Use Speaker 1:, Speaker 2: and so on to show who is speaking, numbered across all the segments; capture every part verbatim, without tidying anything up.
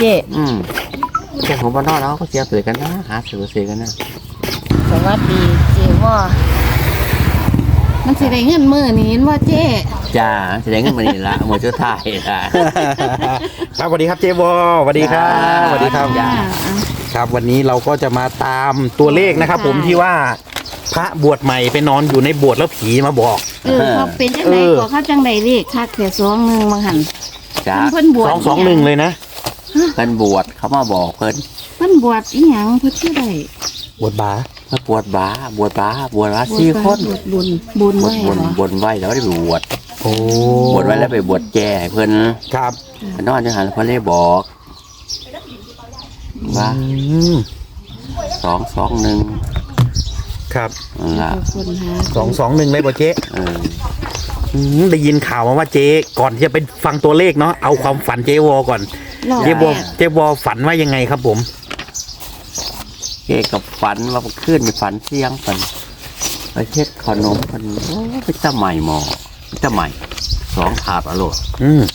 Speaker 1: จ๊
Speaker 2: อืมพวกผมบ้านนอกเราก็เสียสื่อกันนะหาสื่อสื่อกันนะ
Speaker 1: สวัสดีเจ๊ว่ามันสิได้เงินมื้อนี้เห็นบ่เจ๊
Speaker 2: จ้าแสดงเงินมานี่ละหมดชุดไทายละ
Speaker 3: ครับสวัสดีครับเจวอสวัสดีครับสวัสดีครับ
Speaker 1: จ้า
Speaker 3: ครับวันนี้เราก็จะมาตามตัวเลขนะครับ ผมที่ว่าพระบวชใหม่ไปนอนอยู่ในโบสถ์แล้วผีมาบอก
Speaker 1: เออเขาเป็นจังได๋ก็เขาจังได๋เลขคักแค่สองหนึ่งมาหั่น
Speaker 2: จ้า
Speaker 1: เพิ่นบวช
Speaker 3: สองสองหนึ่งเลยนะ
Speaker 2: เพิ่นบวชเขามาบอกเพิ่น
Speaker 1: เพิ่นบวชอีหยังเพิ่นชื่อใด
Speaker 3: บวชบา
Speaker 2: มาบวชบาบวชบาบวชบาสี่คน
Speaker 1: บวชบุญบุญ
Speaker 2: บว
Speaker 1: ไว้
Speaker 2: ชบวช
Speaker 1: เหรอบ
Speaker 2: วชไว้แล้วได้ไปบวช
Speaker 3: โอ้
Speaker 2: บวชไว้แล้วไปบวชแก่ให้เพิ่น
Speaker 3: ครับ
Speaker 2: ไปนอนจังหันเพิ่นเลยบอกว่า
Speaker 3: อืม
Speaker 2: สองสองหนึ่ง
Speaker 3: ครับ
Speaker 2: นั่นล่ะ
Speaker 1: คนหา
Speaker 3: สองสองหนึ่งเลยบ่เจ๊
Speaker 2: เออ
Speaker 3: อืมได้ยินข่าวมาว่าเจ๊ก่อนที่จะไปฟังตัวเลขเนาะเอาความฝันเจวอก่อน
Speaker 1: รอบ
Speaker 3: เจวอ
Speaker 1: แรก
Speaker 3: เจวอฝันว่ายังไงครับผม
Speaker 2: เก้กับฝันว่าขึ้นในฝันเสียงฝันไปเช็ดขนมฝันโอ้ไปตะใหม่หมอไปตะใหม่สองถาดอร่อย
Speaker 3: อืม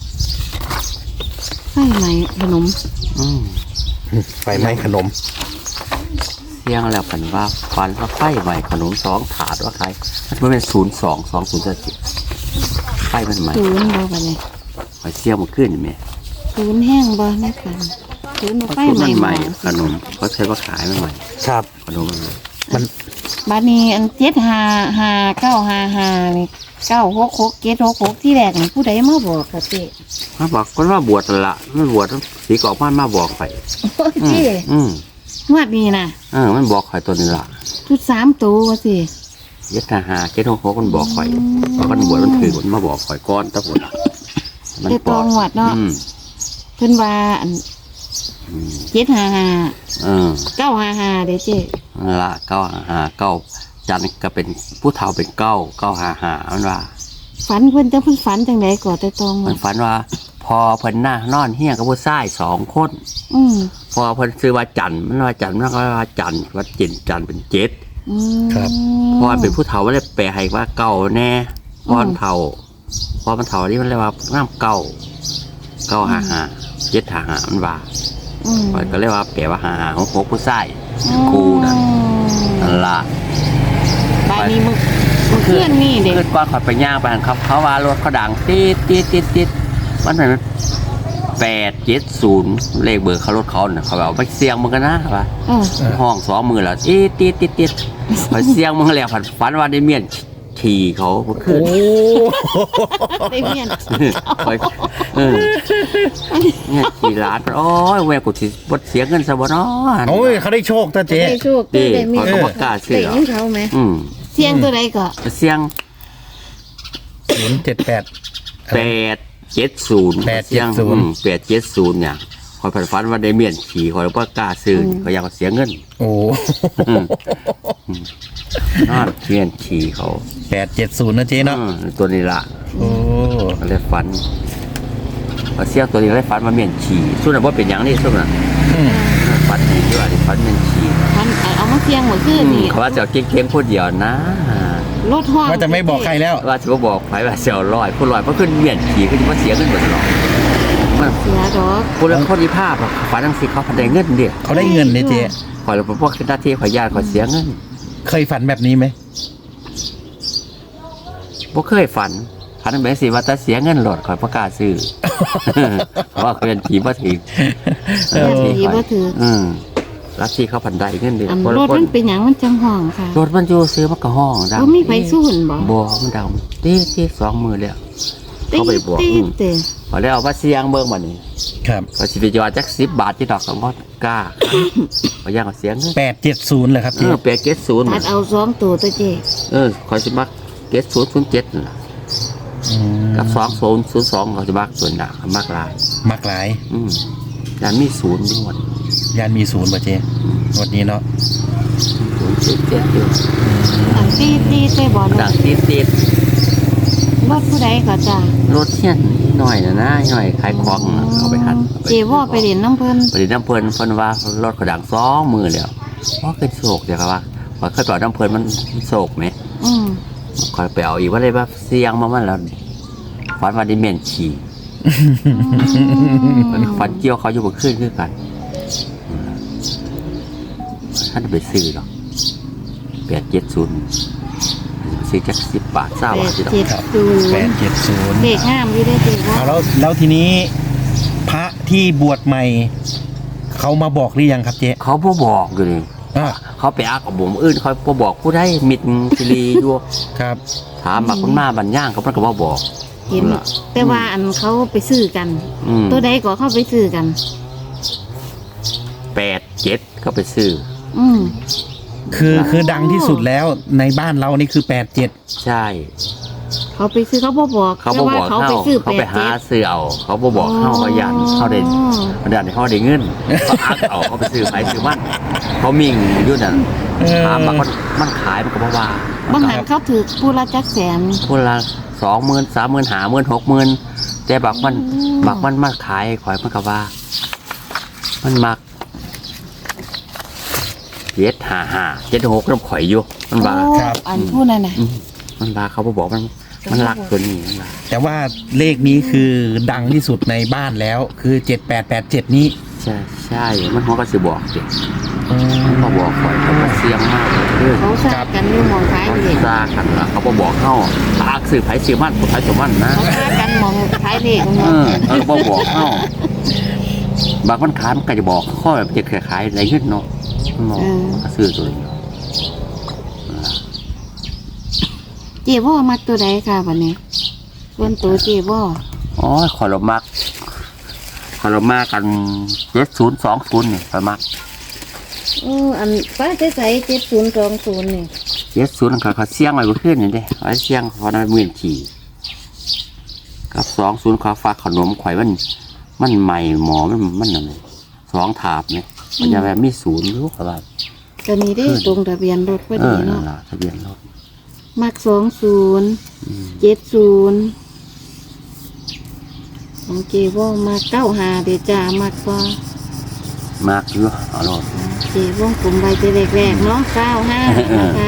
Speaker 1: ไส้ไหมขนม
Speaker 2: อืม
Speaker 3: ไฟไหม้ขนม
Speaker 2: เสียงแล้วฝันว่าฝันว่าไฟใหม่ขนมสองถาดว่าใครมันเป็นศูนย์สองสองศูนย์เจ็ดไฟมันใหม่
Speaker 1: ศูนย์บ่บัดนี้
Speaker 2: ไฟเสียงมันขึ้นไหม
Speaker 1: ศูนย์แห้งบ่ในฝันศูนย์บ่
Speaker 2: เพราะ
Speaker 1: ไฟ
Speaker 2: ศูนย์
Speaker 1: ใหม่
Speaker 2: มัน
Speaker 1: ห
Speaker 2: ให
Speaker 1: ม้
Speaker 2: ม่
Speaker 1: อ
Speaker 2: ขนมเขาใช้ว่าขายมันใหม่
Speaker 3: ครับ
Speaker 2: ขนมมันใหม่
Speaker 3: มัน
Speaker 1: บัดนี้อันเจ็ดห้าห้าเก้าห้าห้านี่เก้าหกหกเจ็ดหกหกที่แรกนี่ผู้ใดมาบอกกะเจ๊
Speaker 2: มาบอกคนว่าบวชนั่นละมันบวชสีกรอกบ้านมาบอกไป
Speaker 1: โอ้ย
Speaker 2: อื
Speaker 1: เจ๊
Speaker 2: มอืม
Speaker 1: งวดนี้น่ะ
Speaker 2: เออมันบอกข่อยตัวนี้ละ
Speaker 1: ชุดสามตัวว่าสิ
Speaker 2: เย็ดทหารเจ็ดหกหกมันบอกข่อยเพราะมันบวชมันถือมันมาบอกข่อยก้อนตะปุ่นมัน
Speaker 1: เด็ดตองวดเนาะ
Speaker 2: อืม
Speaker 1: เพิ่นว่าอัน
Speaker 2: อืม
Speaker 1: เจ็ดห้าห้า
Speaker 2: เออ
Speaker 1: เก้าห้าห้าเด้เจ๊
Speaker 2: นั่นละเก้าหาเก้าจันทร์ก็เป็นผู้เฒ่าเป็นเก้าเก้าหาหามันว่า
Speaker 1: ฝันเพิ่นจังเพิ่นฝันจังไดก่อแต่ตอง
Speaker 2: มั
Speaker 1: วด
Speaker 2: นฝันว่า พอเพิ่นหน้านอนเฮี้ยกับผู้ชายสองคน
Speaker 1: อืม
Speaker 2: พอเพิ่นซื้อว่าจันทร์มันว่าจันทร์มันก็ว่าจันทร์ว่าจินจันทร์เป็นเจ็ด
Speaker 1: อืม
Speaker 2: พอเป็นผู้เฒ่ามันเลยแปลให้ว่าเก้าแน่พอมันเฒ่าพอมันเฒ่านี่มันเลยว่าน้ำเก้าเก้าหาหาเจ็ดหาหามันว่า
Speaker 1: อืม
Speaker 2: ข้อยก็เลยว่าแปลว่าหาหาของพวกผู้ชายครูนั่นนั่นล่ะ
Speaker 1: บายนี้มึงมึงเพื่อนนี่เด็ก
Speaker 2: ขึ้นก่อนข่อยไปย่างไปหันเขาเขาว่ารถเขาดังติดติดติดติดมันเป็นแปดเจ็ดศูนย์เลขเบอร์เขารถเขาเนี่ยเขาบอกไปเสียงมึงกันนะว่า
Speaker 1: เออ
Speaker 2: ห้องสองมือแล้วติดติดติดติดข่อยเสียงมึงแล้วผันฝันว่าได้เมียนขี่เขาเมื่อคื
Speaker 3: โอ้
Speaker 2: น
Speaker 1: ได้เมียน
Speaker 2: ข่อยเออเนี่ยขี่ร้านโอ้ยแววกูสิบดเสียเงินซะบ่เนาะ
Speaker 3: โอ้ยเขาได้โชคตาเจ๊
Speaker 1: ได้โชคได้ได้มี
Speaker 2: เขาก็ประกาศเสี
Speaker 1: ได้
Speaker 2: ย
Speaker 1: ของเขาไหม
Speaker 2: อืม
Speaker 1: เสียงตัวใดก็
Speaker 2: เสียง
Speaker 3: ศูนย์เจ็ดแปด
Speaker 2: แปดเจ็ดศูนย์
Speaker 3: แปดเจ็ดศูนย์
Speaker 2: แปดเจ็ดศูนย์เนี่ยคอยผันฝันว่าได้เมียนขี่คอยประกล้าซื้อเขาอยากเสียเงิน
Speaker 3: โอ้
Speaker 2: นอนเมียนขี่เขา
Speaker 3: แปดเจ็ดศูนย์นะเจ๊เนาะ
Speaker 2: อืมตัวนี้ละ
Speaker 3: โอ้
Speaker 2: ก็เลยฝันพอเสียตัวนี้ก็เลยฝันว่าเมียนขี่ส่วนนั้นว่าเป็นอย่างนี้ส่วนนั้น
Speaker 3: อืม
Speaker 2: ฝันดีด้วยฝันเมียนขี่
Speaker 1: พันเอามาเสียงเหมือนคืนนี่
Speaker 2: เขาว่าจะเอาเก่งๆพูดเดียวนะ
Speaker 1: รถห้อง
Speaker 3: ว่าจะไม่บอกใครแล้ว
Speaker 2: ว่าจะมาบอกใครว่าเสียลอยพูดลอยเพราะขึ้นเมียนขี่ขึ้นมาเสียเงินหมดหรอกมัน
Speaker 1: เสียดอก
Speaker 2: พูดแล้วคนที่ภาพอะฝันทั้งสิเขาพันได้เงินเดียว
Speaker 3: เขาได้เงินเนี่ยเจ๊
Speaker 2: ขอยเราเป็นพวกหน้าที่ขอยญาติขอยเสียเงิน
Speaker 3: เคยฝันแบบนี้ไหม
Speaker 2: บ่เคยฝันฝันแบบสิว่าจะเสียเงินหลดขอยประกล้าศซื้อ เพราะว่าเขาเป็นผีบ่ถึง
Speaker 3: เออ
Speaker 1: เสียบ่ถือ
Speaker 2: อืมลัทธิเขาพันได้เงินเดือน
Speaker 1: อัน
Speaker 2: คน
Speaker 1: ร
Speaker 2: ละ
Speaker 1: ถ
Speaker 2: ค
Speaker 1: มัน นเป็นหยังมันจังห้องค่ะ
Speaker 2: รถมันอยู่ซื้อมันก็ห้องดัง
Speaker 1: บ่มีไฟสู้หุ่นบ่
Speaker 2: บ่มันดังตีตีสองมือแล้ว เขาไปบอก
Speaker 1: ตี
Speaker 2: อืม
Speaker 1: เตะ
Speaker 2: พอแล้วเอามาเสียงเบิ่งบัดนี้
Speaker 3: ครับ
Speaker 2: พอสิไปจอดจักสิบบาทที่ดอกก็บ่กล้าขอยย่างเอาเสียเงิน
Speaker 3: แปดเจ็ดศูนย์เลยครับ
Speaker 2: เอ
Speaker 3: เจ๊
Speaker 2: อแปดเจ็ดศูนย์
Speaker 1: ตัดเอาสองตัวตัวเจ๊
Speaker 2: เออขอยสิมักเจ็ดศูนย์ศูนย์เจ็ดนั่นล่ะ
Speaker 3: อืม
Speaker 2: กับสองศูนย์ศูนย์สองเขาจะมักส่วนหนักมักหลาย
Speaker 3: มักหลาย
Speaker 2: อืมแต่มีศูนย์ด้วย
Speaker 3: ยานมีศูนย์ป่ะเจ๊วันนี้เนาะ
Speaker 2: ศูนย์เจ็ดเจ็ดอยู่
Speaker 1: อันตีตีเตะบ่
Speaker 2: ดังติดติด
Speaker 1: รถผู้ใดก็จ้าร
Speaker 2: ถเที่ยนหน่อยนะนะหน่อยขายของน่ะเอาไปหัน
Speaker 1: เจว่าไปเรียนน้ำเพิ่น
Speaker 2: ไปเรียนน้ำเพลินเพิ่นว่ารถกระดังสองมือแล้วว่าเคยโศกเดี๋ยวครับว่าว่าเคยต่อน้ำเพลินมันโศกไหม
Speaker 1: อืม
Speaker 2: คอยไปเอาอีกว่าเลยว่าเสียงมามันแล้วฝันว่าได้เมียนขี่มันฝันเกี่ยวเขาอยู่บนขึ้นขึ้นกันท่านไปซื้อหรอกแปดเจ็ดศูนย์ซื้อจักสิบบาทเศร้า
Speaker 1: แป
Speaker 2: บาท
Speaker 1: ด
Speaker 2: สิดอก
Speaker 1: เจ็ดศูน
Speaker 3: แปด
Speaker 1: ย์
Speaker 3: เจ็ดศูนย์
Speaker 1: เด็กห้ามอยู่ได้จริงว่า
Speaker 3: เอาแล้วแล้วทีนี้ พระที่บวชใหม่ เขามาบอกหรือยังครับเจ๊
Speaker 2: เขาบ่บอกอยู่เลย
Speaker 3: อ่า
Speaker 2: เขาไปอักกับผมอื่นเขาบ่บอกผู้ใดมิดสิรีอยู่
Speaker 3: ครับ
Speaker 2: ถามมาคนมาบัญย่างเขาเพิ่นก็บ่บอก
Speaker 1: เห็นแต่ว่าอันเขาไปซื้อกัน
Speaker 2: อืม
Speaker 1: ตัวใดก็เข้าไปซื้อกัน
Speaker 2: แปดเจ็ดเขาไปซื้อ
Speaker 1: อืม
Speaker 3: คือคือดังที่สุดแล้วในบ้านเรานี่คือแปดเจ็ด
Speaker 2: ใช่
Speaker 1: เขาไปซื้อเขาบ่บอก
Speaker 2: เขาบ่บอก
Speaker 1: แต่ว่าเขา
Speaker 2: เขา
Speaker 1: ไปซื้อ
Speaker 2: เขา
Speaker 1: แป
Speaker 2: ไป
Speaker 1: ด
Speaker 2: หา
Speaker 1: เจ็ด
Speaker 2: ซื้อเอาเขาบ่บอกเขาเขายันเขาได้เขาได้เขาได้เงินเขาอักเอาเขาไปซื้อไปซื้อมันเขามิ่งอยู่นั่น
Speaker 3: เออ
Speaker 2: ถามมามันมันขายมันก็บ่ว่า
Speaker 1: บางหันเขาถือผู้ละจักแสน
Speaker 2: คนละสองหมื่นสามหมื่นห้าหมื่นหกหมื่นแต่บักมัน
Speaker 1: อืม
Speaker 2: บักมันมาขายข่อยมันก็ว่า มันมักเจ็ดห้าห้าเจ็ดหกน้ำข่อยอยู่มันว่า
Speaker 1: โอ้อันผู้นั้นน่ะ
Speaker 2: อืมมันว่าเขาบ่บอกมันมันรักตัวนี้มันว่า
Speaker 3: แต่ว่าเลขนี้คือดังที่สุดในบ้านแล้ว คือเจ็ดแปดแปดเจ็ดนี้
Speaker 2: ใช่ใช่มันเขาก็สิบอกเด็ก
Speaker 3: อืม
Speaker 2: เขาบอกข่อยเขาก็เสียงมากเลยเด้อ
Speaker 1: เขาซากันอยู่หมองท้าย
Speaker 2: เขา
Speaker 1: เด็ก
Speaker 2: ซากันละเขาบ่บอกเข้าปากสื่อไผสื่อมันไผสื่อมันนะ
Speaker 1: เขาซากันหมองท้ายเด็ก
Speaker 2: เออเออบ่บอกเข้าบางมันขายมันก็จะบอกข้อแบบจะขายอะไรขึ้นเนาะมันบอกมันก็ซื้อตัวเดียว
Speaker 1: เจ๊บ่มักตัวใดค่ะวันนี้ส่วนตัวเจ๊บ่
Speaker 2: อ๋อขอเรามักขอเรามากันเจ็ดศูนย์สองศูนย์นี่ประมาณ
Speaker 1: เอออันป้าจะใส่เจ็ดศูนย์สองศูนย์นี่
Speaker 2: เจ็ดศูนย์เขาเขาเสี่ยงไว้บนขึ้นนี่เด้ไอ้เสี่ยงเขาได้หมื่นขี่กับสองศูนย์เขาฝากขนมข่อยมันมันใหม่หมอมันมันอะไรสองถาบเนี่ยมันจะแบบมีศูนย์รู้อะไร
Speaker 1: ตัวนี้ได้ตรงทะเบียนรถพอ
Speaker 2: เอ
Speaker 1: ดี
Speaker 2: อนั่
Speaker 1: เนาะ
Speaker 2: นล่ะทะเบียนรถ
Speaker 1: มักสองศูนย์
Speaker 2: อืม
Speaker 1: เจ็ดศูนย์ของเจ๊บ่มักเก้าหาเดยวจ้ามักบ่
Speaker 2: มากอยู่เอารถ
Speaker 1: เจ๊วงกลมใบเจแรกๆเนาะเก้าห้านะคะ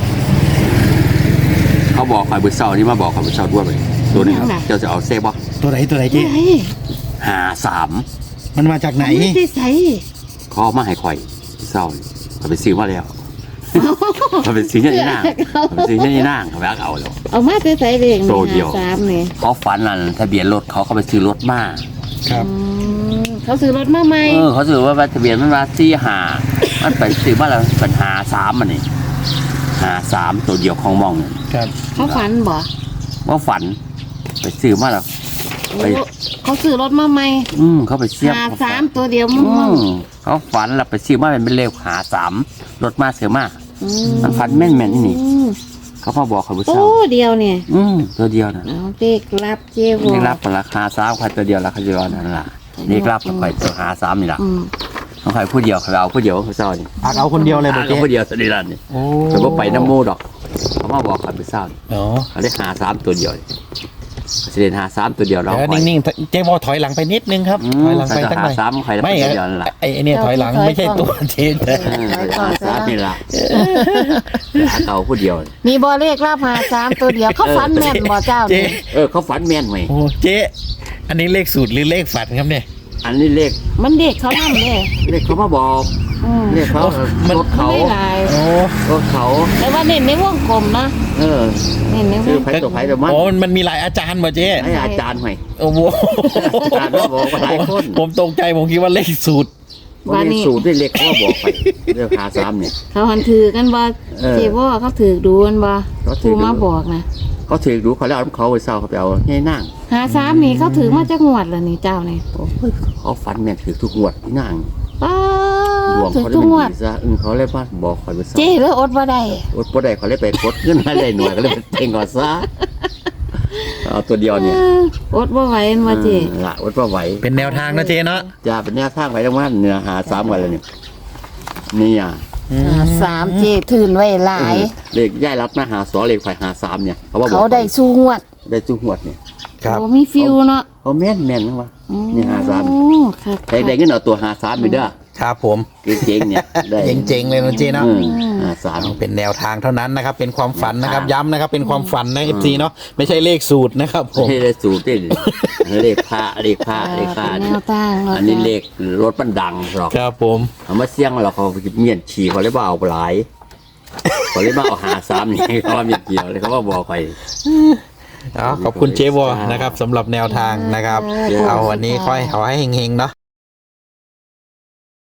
Speaker 2: เขาบอกข่อยบุษเซานี่มาบอกข่อยบุษเซาด้วยไปตัวนี้ครับเจ้าจะเอาเซฟบ่
Speaker 3: ตัวไหนตัวไหน
Speaker 1: เฮ้
Speaker 3: เจ๊
Speaker 1: ย
Speaker 2: หาสาม
Speaker 3: มันมาจากไหน
Speaker 1: ไม่ได้ใส่
Speaker 2: เขาเอามาให้ข่อยเศร้าเขาไปซื้อมาแล้วเขาไปซื้อเนี่ยนี่นางเขาไปซื้อเนี่ยนี่นางเขาไปเอาแล้ว
Speaker 1: เอามาได้ใส่เด็ก
Speaker 2: โตเดียว
Speaker 1: สามนี่
Speaker 2: เขาฝันนั่นทะเบียนรถเขาเขาไปซื้อรถมา
Speaker 3: ครับ
Speaker 1: อืมเขาซื้อรถมาใหม่
Speaker 2: เออเขาซื้อว่าทะเบียนมันมาสี่หามันไปซื้อมาแล้วเป็นหาสามมันนี่หาสามตัวเดียวของมองเนี่ย
Speaker 3: ครับ
Speaker 1: เขาฝันบ่
Speaker 2: ว่าฝันไปซื้อมาแล้ว ไป
Speaker 1: โอ้เขาซื้อรถมาใหม่
Speaker 2: อืมเขาไปเสียบ
Speaker 1: หาสามตัวเดียว
Speaker 2: อื
Speaker 1: มั่ง
Speaker 2: มเขาฝันแล้วไปซื้อมาเป็นเลขหาสามรถมาเสือมา
Speaker 1: ๆอื
Speaker 2: มันฝันแม่นๆนี่
Speaker 1: อืม
Speaker 2: เขามาบอกเขาบุษ
Speaker 1: โอ้
Speaker 2: เซา
Speaker 1: เดียวเนี่ย
Speaker 2: อืมตัวเดียวนะ
Speaker 1: เอาเด็กรับเจ๊บ่
Speaker 2: นี่รับราคาสามใครตัวเดียวราคาเดียวนั่นล่ะนี่รับใครตัวหาสามนี่ล่ะ
Speaker 1: อืม
Speaker 2: ของใครผู้เดียวเขาเอาผู้เดียวเขาเศร้านี่
Speaker 3: อักเอาคนเดียวเลยบอก
Speaker 2: เอา
Speaker 3: เจ๊
Speaker 2: ผู้เดียวสนิรันนี่
Speaker 3: โอ้
Speaker 2: แต่ว่าไปน้ำมูดอกเขามาบอกเขาไปเศร้านี่
Speaker 3: เนาะ
Speaker 2: เขาได้หาสามตัวเดียวนี่เขาจะเล่นหาสามตัวเดียวเรา
Speaker 3: เดี๋ยวนิ่งๆเจ๊บอถอยหลังไปนิดนึงครับ
Speaker 2: อื
Speaker 3: ถ
Speaker 2: ม
Speaker 3: อยหลังไป
Speaker 2: เขา
Speaker 3: สัก
Speaker 2: จะ
Speaker 3: ห
Speaker 2: หา
Speaker 3: น่อย
Speaker 2: สามใครแล้ว
Speaker 3: ไม่
Speaker 2: ตัวเดียวนั่นล่ะ
Speaker 3: ไอ้ไอ้เนี่ยถอยหลังไม่ใช่ตัวเจ๊แต่
Speaker 2: เออเขาจะหาสามนี่ล่ะหาเขาผู้เดียวนี่
Speaker 1: มีบอเลขรับหาสามตัวเดียวเขาฝันแม่นบ่เจ้า
Speaker 3: เจ๊
Speaker 1: นี่
Speaker 2: เออเขาฝันแม่นไหม
Speaker 3: โอ้เจ๊อันนี้เลขสูตรหรือเลขฝันครับเนี่ย
Speaker 2: อันนี้เลข
Speaker 1: มันเด็กเขานำเด้
Speaker 2: เลขเขามาบอก
Speaker 1: อืม
Speaker 2: เลขเขา
Speaker 3: มัน
Speaker 2: รถเขา
Speaker 1: ไม่หลาย
Speaker 3: โอ้
Speaker 2: รถเขา
Speaker 1: แต่ว่าเน้นในวงกลมนะ
Speaker 2: เออ
Speaker 1: เน้นในว
Speaker 2: ซื้อง ไผ่ตัวไผ่ตัวมัน
Speaker 3: โอ้มันมันมีหลายอาจารย์มาเจ๊
Speaker 2: ให้อาจารย์หน่อย
Speaker 3: โอ้โห
Speaker 2: อาจารย์มาบอกว่าหลายคน
Speaker 3: ผมตกใจผมคิดว่าเลขสูตร
Speaker 2: วันนี้สูตรด้วยเล็กเขาบอกไปเรื่องหาสามเนี่ย
Speaker 1: เขาหันถือกันบ่
Speaker 2: เออ
Speaker 1: เจ๊บ่เขาถือดูกันบ่
Speaker 2: เขาถื
Speaker 1: ผู้
Speaker 2: อดู
Speaker 1: มาบอกนะ
Speaker 2: เขาถือดูเขาแล้วเอาเขาไปเศร้าเขาไปเอาให้นั่ง
Speaker 1: หาสามนี่เขาถือมาจากงวดแล้วนี่เจ้านี่
Speaker 2: โอ้ยเขาฟันแม่นถือทุกงวดที่นั่ง
Speaker 1: ป้า
Speaker 2: ดวง
Speaker 1: ถือ
Speaker 2: เขาได้
Speaker 1: ทุก
Speaker 2: เป็น
Speaker 1: งวด
Speaker 2: ดีซะอึ้งเขาเลยว่าบอกคอยไปเศร้า
Speaker 1: เจ๊เลยอดบ่ได้
Speaker 2: อดปวดได้เขาเลยไปกดเงินมาได้หน่วยก็เลยไปเต็งก่อนซะเอาตัวเดียวเนี่ย
Speaker 1: เอออดบ่ไหวแม่นบ่เจ๊
Speaker 2: ออละอดว่าไหว
Speaker 3: เป็นแนวทางนะเจ๊เนาะ
Speaker 2: จะเป็นแนวทางไปทั้งวันเนื้อหาสามวันเลยเนี่ยนี่อ่ะ
Speaker 3: อืม
Speaker 1: หาสามเจ๊ถืนไว้หลาย
Speaker 2: เลขย่ายรับนะหาสอเลขฝ่ายหาสามเนี่ยเขาว่าบอก
Speaker 1: เขาได้สู้งวด
Speaker 2: ได้จุงหวดเนี่ย
Speaker 3: ครับ
Speaker 1: โอ้มีฟิวเนาะ
Speaker 2: เขาแม่นแม่นนะวะ นี่หาสาม
Speaker 1: โอ้ค่ะ
Speaker 2: แต่ได้เงินเอาตัวหาสามไปเด้อ
Speaker 3: ครับผม
Speaker 2: เจ๊งๆเนี่ยได้
Speaker 3: เจ๋งๆเลยนะเจ๊เนาะ
Speaker 2: อืมห้าสาม
Speaker 3: เอาเป็นแนวทางเท่านั้นนะครับ เป็นความฝันนะครับ
Speaker 2: แนวทาง
Speaker 3: ย้ำนะครับ เป็นความฝันนะเอฟซีเนาะไม่ใช่เลขสูตรนะครับผม
Speaker 2: ไม่ได้สูตรที่เลขพระเลขพระเลขพระ
Speaker 1: เป็นแนวตั้งเนาะ
Speaker 2: อันนี้เลขรถมันดังหรอก
Speaker 3: ครับผม
Speaker 2: เอามาเสี่ยงเราเขาเมียนฉี่เขาเลยว่าเอาหลายเขาเลยมาเอาหาสามนี่เขาว่าเมียนเกี่ยวเลยเขาว่าบอกไป
Speaker 3: เอาขอบคุณเจ๊วอนะครับสำหรับแนวทางนะครับ เอาวันนี้ค่อยขอให้เฮงๆเนาะ